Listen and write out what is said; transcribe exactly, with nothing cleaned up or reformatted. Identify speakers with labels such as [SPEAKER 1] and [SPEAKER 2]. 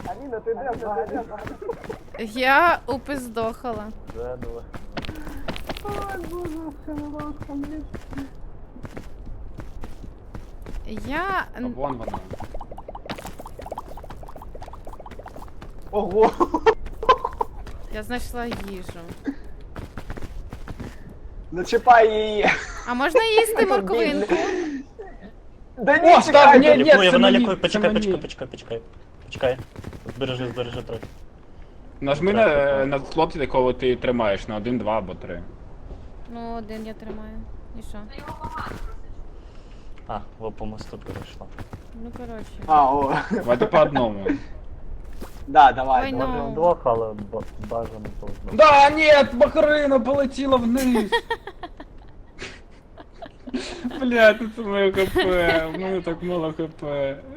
[SPEAKER 1] Аліна, ти де взагалі?
[SPEAKER 2] Я упиздохала.
[SPEAKER 3] Заново.
[SPEAKER 1] Ой, боже, сковородка, блін.
[SPEAKER 2] Я...
[SPEAKER 4] А вон вона.
[SPEAKER 1] Ого!
[SPEAKER 2] Я знайшла їжу.
[SPEAKER 1] Не чіпай її.
[SPEAKER 2] А можна їсти морковинку?
[SPEAKER 1] Да ні,
[SPEAKER 4] О,
[SPEAKER 1] чекай!
[SPEAKER 4] став, ні, ні,
[SPEAKER 3] Лікує,
[SPEAKER 4] це
[SPEAKER 3] вона
[SPEAKER 4] мені,
[SPEAKER 3] лікує.
[SPEAKER 4] це
[SPEAKER 3] Почекай,
[SPEAKER 4] мені.
[SPEAKER 3] почекай, почекай, почекай. Почекай. Збережи, збережи трохи.
[SPEAKER 4] Нажми на, на слот, якого ти тримаєш, на один, два або три.
[SPEAKER 2] Ну, один я тримаю. І що?
[SPEAKER 3] А, во по мосту перейшла.
[SPEAKER 2] Ну, коротше.
[SPEAKER 1] А, о.
[SPEAKER 4] Давайте по одному.
[SPEAKER 1] Да, давай.
[SPEAKER 2] Ой,
[SPEAKER 1] давай.
[SPEAKER 2] ну.
[SPEAKER 3] Може вдвох, але б- бажано по одному.
[SPEAKER 4] Да, нет, Бахарина полетіла вниз. Бля, це моє хп, в мене так мало хп.